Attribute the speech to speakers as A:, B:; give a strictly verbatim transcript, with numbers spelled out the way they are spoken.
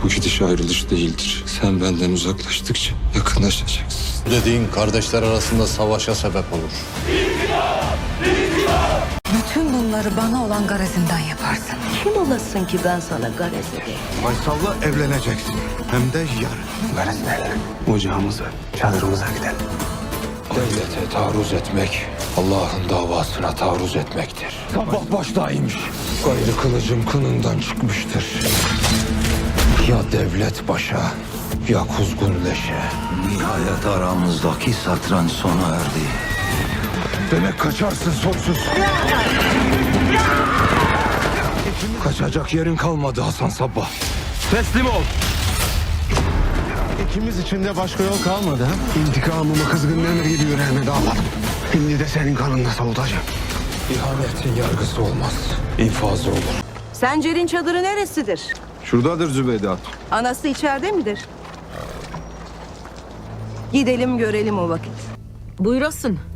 A: Bu gidiş ayrılış değildir. Sen benden uzaklaştıkça yakınlaşacaksın.
B: Dediğin kardeşler arasında savaşa sebep olur.
C: Bütün bunları bana olan garezinden yaparsın.
D: Kim olasın ki ben sana garez edeyim?
E: Faysal'la evleneceksin. Hem de yarın.
A: Garizlerle ocağımıza, çadırımıza gidelim. Devlete taarruz etmek, Allah'ın davasına taarruz etmektir. Sabah baştaymış. Gayrı kılıcım kınından çıkmıştır. Ya devlet başa, ya kuzgun leşe.
F: Nihayet aramızdaki satranç sona erdi.
E: Demek kaçarsın sonsuz.
A: Kaçacak yerin kalmadı Hasan Sabbah.
E: Teslim ol. İkimiz için de başka yol kalmadı ha? İntikamımı kızgınlığını gibi yüreğime dağladım. Şimdi de senin kanınla soğutacağım.
A: İhanetin yargısı olmaz, infazı olur.
D: Sencer'in çadırı neresidir?
E: Şuradadır Zübeyde Hatun.
D: Anası içeride midir? Gidelim görelim o vakit.
G: Buyurasın.